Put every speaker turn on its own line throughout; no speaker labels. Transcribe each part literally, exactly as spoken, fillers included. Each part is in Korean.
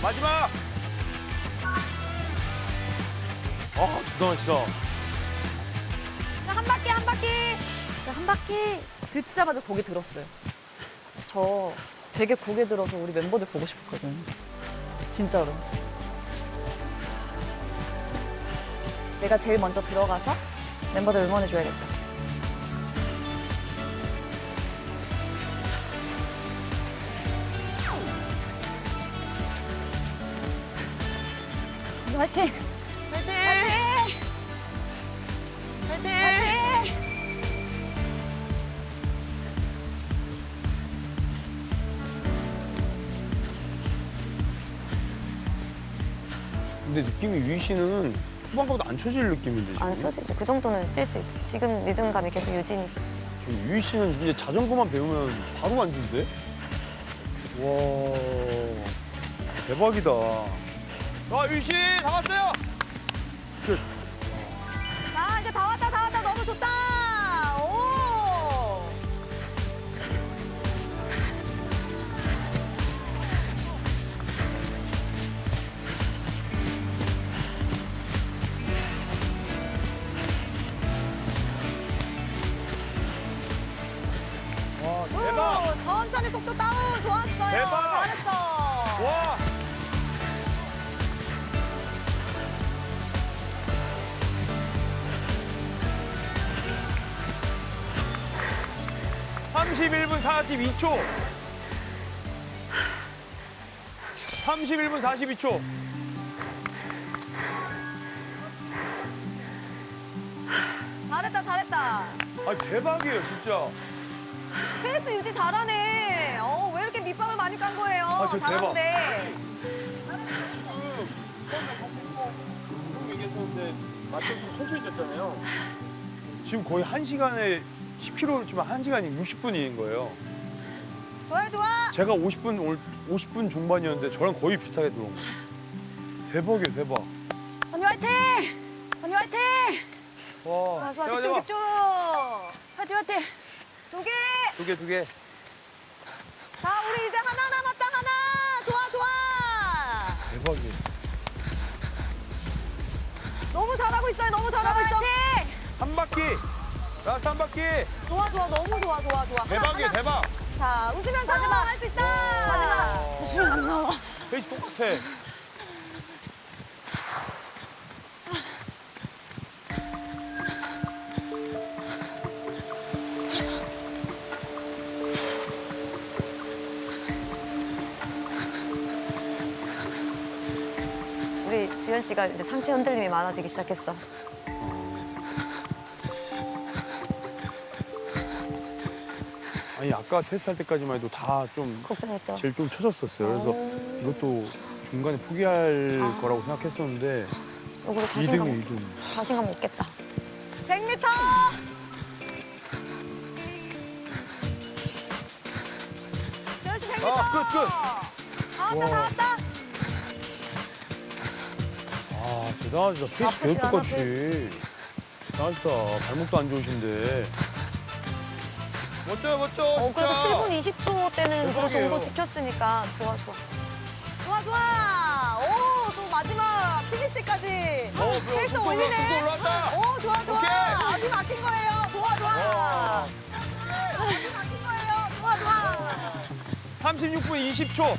마지막. 아, 대단하시다.
한 바퀴 한 바퀴.
한 바퀴 듣자마자 고개 들었어요. 저 되게 고개 들어서 우리 멤버들 보고 싶었거든요. 진짜로. 내가 제일 먼저 들어가서 멤버들 응원해줘야겠다. 화이팅!
화이팅! 화이팅!
근데 느낌이 유희 씨는 후반 가보다 안 쳐질 느낌인데 지금?
안 쳐지죠. 그 정도는 뛸 수 있지. 지금 리듬감이 계속 유지니까.
지금 유희 씨는 이제 자전거만 배우면 바로 만든대? 와, 대박이다. 자, 유희 씨, 다 왔어요. 끝.
자, 이제 다 왔다, 다 왔다. 너무 좋다. 오!
와, 대박.
오, 천천히 속도 다운. 좋았어요.
대박.
잘했어.
와. 삼십일 분 사십이 초. 삼십일 분 사십이 초.
잘했다, 잘했다.
아, 대박이에요, 진짜.
페이스 유지 잘하네. 어, 왜 이렇게 밑밥을 많이 깐 거예요?
아, 저 대박.
잘하는데.
처음에 얘기했었는데 맞춰서 천천히 쳤잖아요. 지금 거의 한 시간에 십 킬로미터면 한 시간이 육십 분인 거예요.
좋아요, 좋아.
제가 오십 분, 올- 오십 분 중반이었는데 저랑 거의 비슷하게 들어온 거예요. 대박이에요, 대박.
언니 화이팅! 언니 화이팅!
와,
좋아, 좋아.
대박,
집중,
대박.
집중.
화이팅 화이팅!
두 개.
두 개, 두 개.
자, 우리 이제 하나 남았다, 하나. 좋아, 좋아.
대박이에요.
너무 잘하고 있어요, 너무 잘하고 있어.
한 바퀴. 라스트 한 바퀴.
좋아, 좋아, 너무 좋아, 좋아, 좋아. 하나,
대박이에요,
하나.
대박.
자, 웃으면서 할 수 있다.
마지막.
웃으면 안 나와.
페이스 똑같아.
우리 주현 씨가 이제 상체 흔들림이 많아지기 시작했어.
아니, 아까 테스트할 때까지만 해도 다 좀
걱정했죠.
제일 좀 쳐졌었어요. 그래서 이것도 중간에 포기할
아.
거라고 생각했었는데
이거로
이
자신감,
등이에요, 이 등.
자신감 없겠다.
백 미터. 지현 씨 백 미터.
아, 끝, 끝.
다 왔다, 다
와.
왔다.
아, 대단하시다. 페이스
아프지
계속
않아,
똑같이. 대단하시다. 발목도 안 좋으신데. 멋져요, 멋져.
어, 그래도
진짜.
칠 분 이십 초 때는 그
대박이에요.
정도 지켰으니까 좋아, 좋아.
좋아, 좋아. 오, 또 마지막 피니시까지.
어, 뭐야,
페이스
속도 올라-
올리네.
속도 올라왔다.
오, 좋아, 좋아.
오케이.
어디 막힌 거예요. 좋아, 좋아.
와.
어디 막힌 거예요. 좋아, 좋아.
삼십육 분 이십 초.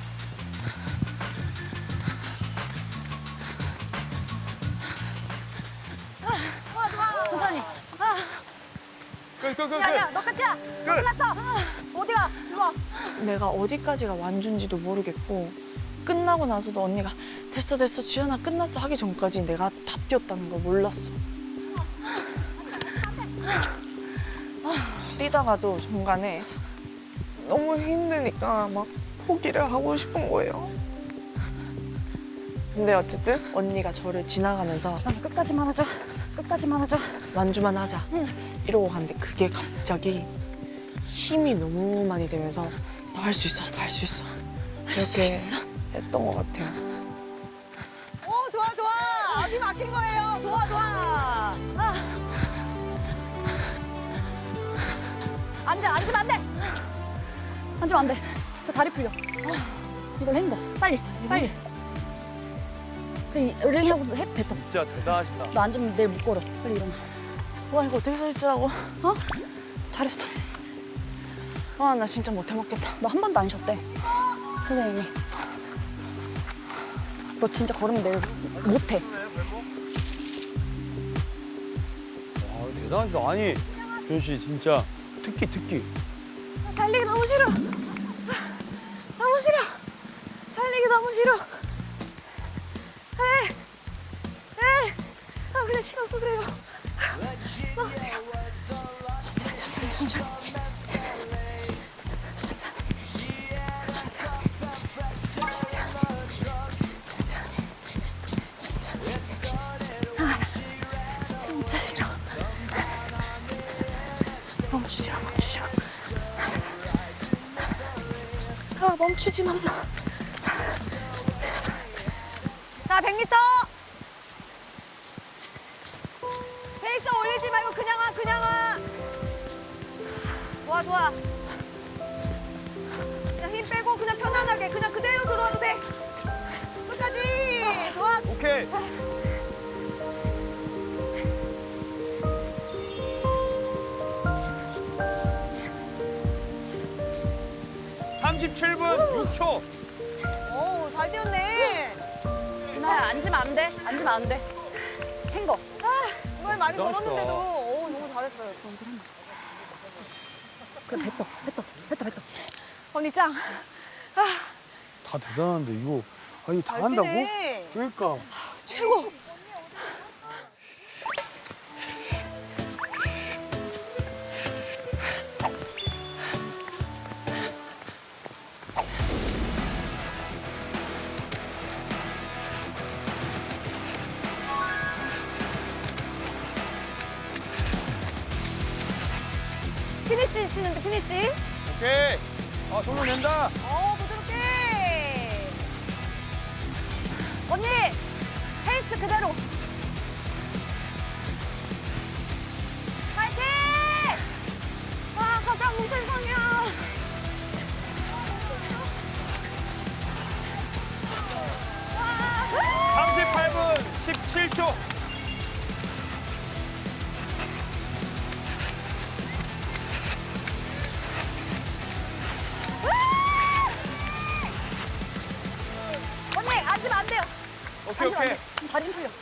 좋아, 좋아.
천천히.
끝, 끝, 끝,
야야
끝.
너 끝이야. 너
끝.
끝났어. 어디가? 이리 와. 내가 어디까지가 완주인지도 모르겠고 끝나고 나서도 언니가 됐어 됐어 주연아 끝났어 하기 전까지 내가 다 뛰었다는 걸 몰랐어. 뛰다가도 중간에 너무 힘드니까 막 포기를 하고 싶은 거예요. 근데 어쨌든 언니가 저를 지나가면서 끝까지만 하자. 끝까지만 하자. 완주만 하자. 이러고 갔는데 그게 갑자기 힘이 너무 많이 되면서 너 할 수 있어, 너 할 수 있어. 이렇게 했던 것 같아요.
오, 좋아, 좋아. 어디 막힌 거예요. 좋아, 좋아.
앉아, 앉으면 안 돼. 앉으면 안 돼. 저 다리 풀려. 이걸 헹궈. 빨리, 빨리.
그냥 링하고 해 뱉어.
진짜 대단하시다.
너 앉으면 내일 못 걸어. 빨리 일어나.
와 이거 어떻게 서 있으라고?
어? 잘했어.
와 나 진짜 못 해먹겠다.
너 한 번도 안 쉬었대. 선생님이. 너 진짜 걸으면 내일 못 해.
와, 대단하시다. 아니, 조현 씨 진짜 특기 특기.
달리기 너무 싫어. 너무 싫어. 달리기 너무 싫어. 에, 에. 아 그냥 싫어서 그래요. 너무 싫어. 천천히, 천천히, 천천히. 천천히. 천천히. 천천히. 천천히. 천천히. 아, 진짜 싫어. 멈추지 마, 멈추지 마. 아, 멈추지 마. 자, 백 미터. 페이스 올리지 말고 그냥 와, 그냥 와. 좋아, 좋아. 그냥 힘 빼고 그냥 편안하게 그냥 그대로 들어와도 돼. 끝까지. 좋아.
오케이. 삼십칠 분 육 초.
오, 잘 뛰었네. 누나야, 앉으면 안 돼. 앉으면 안 돼. 탱거. 아, 이번에 많이
대단하시다.
걸었는데도 오, 너무 잘했어요. 그래, 뱉어, 뱉어, 뱉어, 뱉어. 언니 짱.
다 대단한데 이거 아 이거 다
잘
한다고?
뛰네.
그러니까.
최고. 피니시 치는데 피니시.
오케이. 아 손을 낸다.
어 부드럽게. 언니 페이스 그대로. 파이팅! 와 가장 우세상이야.
삼십팔 분 십칠 초.
언니 앉으면 안 돼요.
오케이 오케이.
다리 풀려.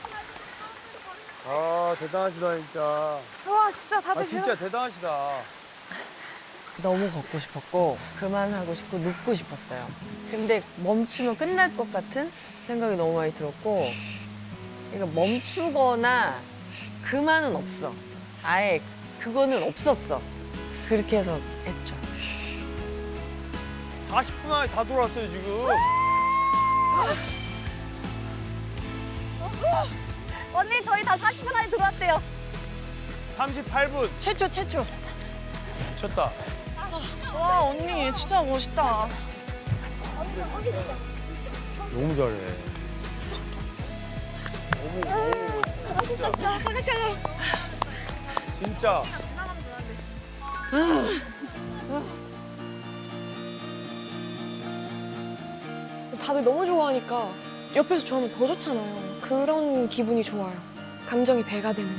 아 대단하시다 진짜.
와 진짜 다들
아 진짜 대단하시다.
너무 걷고 싶었고 그만하고 싶고 눕고 싶었어요. 근데 멈추면 끝날 것 같은 생각이 너무 많이 들었고 그러니까 멈추거나 그만은 없어. 아예 그거는 없었어. 그렇게 해서 했죠.
사십 분 안에 다 돌아왔어요 지금.
언니 저희 다 사십 분 안에 들어왔대요.
삼십팔 분
최초 최초.
쳤다.
와 언니 진짜 멋있다.
너무 잘해. 너무 너무 멋있다.
자 같이 하자.
진짜.
다들 너무 좋아하니까 옆에서 좋아하면 더 좋잖아요. 그런 기분이 좋아요. 감정이 배가 되는.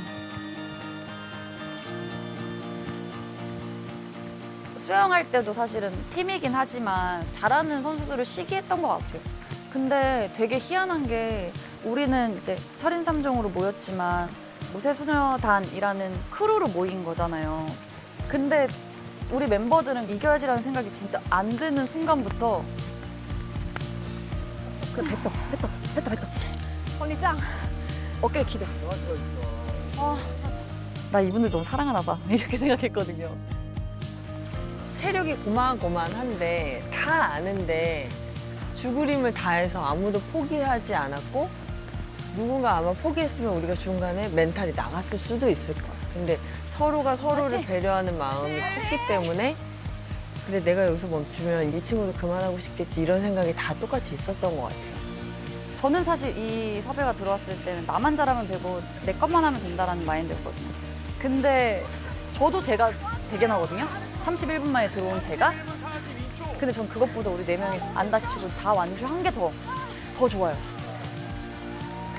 수영할 때도 사실은 팀이긴 하지만 잘하는 선수들을 시기했던 것 같아요. 근데 되게 희한한 게 우리는 이제 철인 삼 종으로 모였지만 무쇠소녀단이라는 크루로 모인 거잖아요. 근데 우리 멤버들은 이겨야지라는 생각이 진짜 안 드는 순간부터
그 뱉어, 뱉어, 뱉어, 뱉어.
언니 짱.
어깨 기대.
나 이분들 너무 사랑하나 봐 이렇게 생각했거든요.
체력이 고만고만한데 다 아는데 죽을 힘을 다해서 아무도 포기하지 않았고 누군가 아마 포기했으면 우리가 중간에 멘탈이 나갔을 수도 있을 거야. 근데 서로가 서로를 배려하는 마음이 컸기 때문에 그래 내가 여기서 멈추면 이 친구도 그만하고 싶겠지 이런 생각이 다 똑같이 있었던 것 같아요.
저는 사실 이 섭외가 들어왔을 때는 나만 잘하면 되고 내 것만 하면 된다라는 마인드였거든요. 근데 저도 제가 대견하거든요. 삼십일 분 만에 들어온 제가. 근데 전 그것보다 우리 네 명이 안 다치고 다 완주한 게 더, 더 좋아요.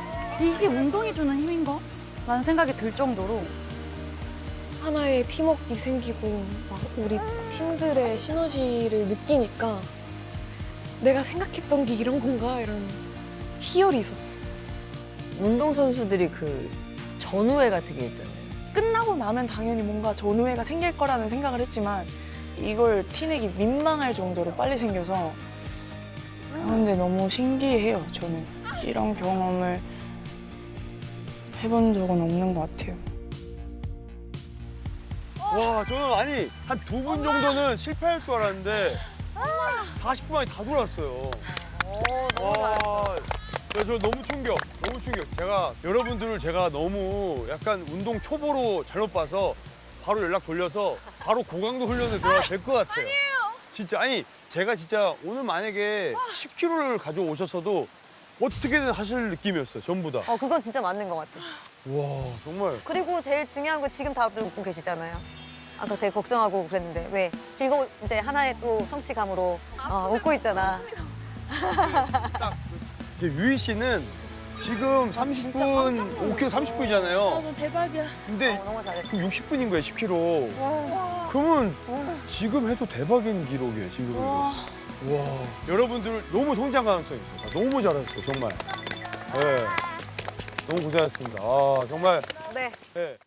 이게 운동이 주는 힘인가? 라는 생각이 들 정도로
하나의 팀워크가 생기고 막 우리 팀들의 시너지를 느끼니까 내가 생각했던 게 이런 건가 이런 희열이 있었어.
운동선수들이 그 전우회 같은 게 있잖아요.
끝나고 나면 당연히 뭔가 전우회가 생길 거라는 생각을 했지만 이걸 티내기 민망할 정도로 빨리 생겨서 아, 근데 너무 신기해요. 저는 이런 경험을 해본 적은 없는 것 같아요.
와, 저는 아니 한 두 분 정도는 실패할 줄 알았는데 사십 분 만에 다 돌았어요. 와, 야, 저 너무 충격, 너무 충격. 제가 여러분들을 제가 너무 약간 운동 초보로 잘못 봐서 바로 연락 돌려서 바로 고강도 훈련에 들어가도 될 것 같아요. 진짜 아니 제가 진짜 오늘 만약에 십 킬로그램를 가져오셨어도 어떻게든 하실 느낌이었어요, 전부 다.
어, 그건 진짜 맞는 것 같아.
와, 정말.
그리고 제일 중요한 건 지금 다들 웃고 계시잖아요. 아까 되게 걱정하고 그랬는데 왜 즐거운 이제 하나의 또 성취감으로 어, 웃고 있잖아.
이제 유희 씨는 지금 삼십 분, 오 킬로그램 삼십 분이잖아요.
너 대박이야.
근데
어, 너무 잘했어.
그럼 육십 분인 거예요, 십 킬로그램.
와.
그러면 지금 해도 대박인 기록이에요, 지금. 와. 여러분들 너무 성장 가능성이 있어요. 너무 잘했어요, 정말. 네. 너무 고생하셨습니다. 아, 정말.
네.
네.